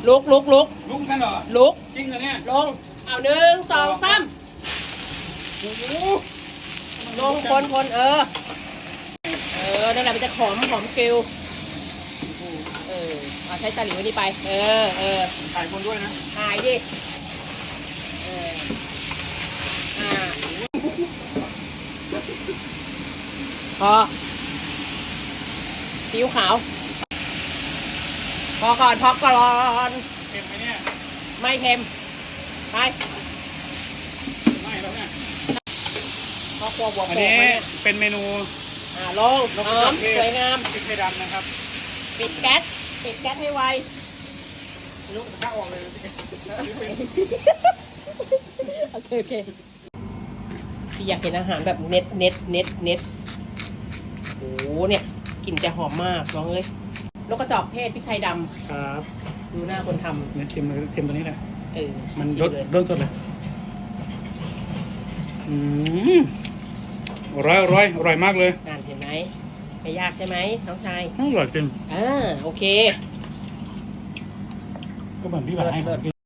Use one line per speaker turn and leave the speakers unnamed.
ลุก
ลุกกันเหรอ
ลุก
จริงเหรอเนี่ย
ลงเอา1 2 3ลงคนนั่นแหละมันจะหอมกริวเอาใช้ตะหลิวนี่ไป
ถ่ายคนด้วยนะ
ถ่ายดิพอซีอิ๊วขาวพอก่อน
เค็มไหมเนี่ย
ไม่เค็มไป
ไม่แล้วเนี่ย
พอครัวบวก
อัน
โป่ง
นี้
มาเนี่ย
เป็นเมนู
ลงหอมสวยงาม
พริกไทยดำนะครับ
ปิดแก๊สให้ไว
ลุกข้าออกเลย
โอเคพี่อยากเห็นอาหารแบบเน็ตโอ้เนี่ยกลิ่นจะหอมมากน้องเลยนกกระจอกเทศพริกไทยดำ
ครับ
ดูหน้าคนท
เนี่ยเค็มตัวนี้แหละ
ำ
มัน
ชิ
รส
เลย
สดเลยอร่อยมากเลย
นั่นเห็นไหมไม่ยากใช่ไหมน้องชาย
อร่อยจริง
โอเค
ก็เหมือนพี่บ่าวให้ผมกิน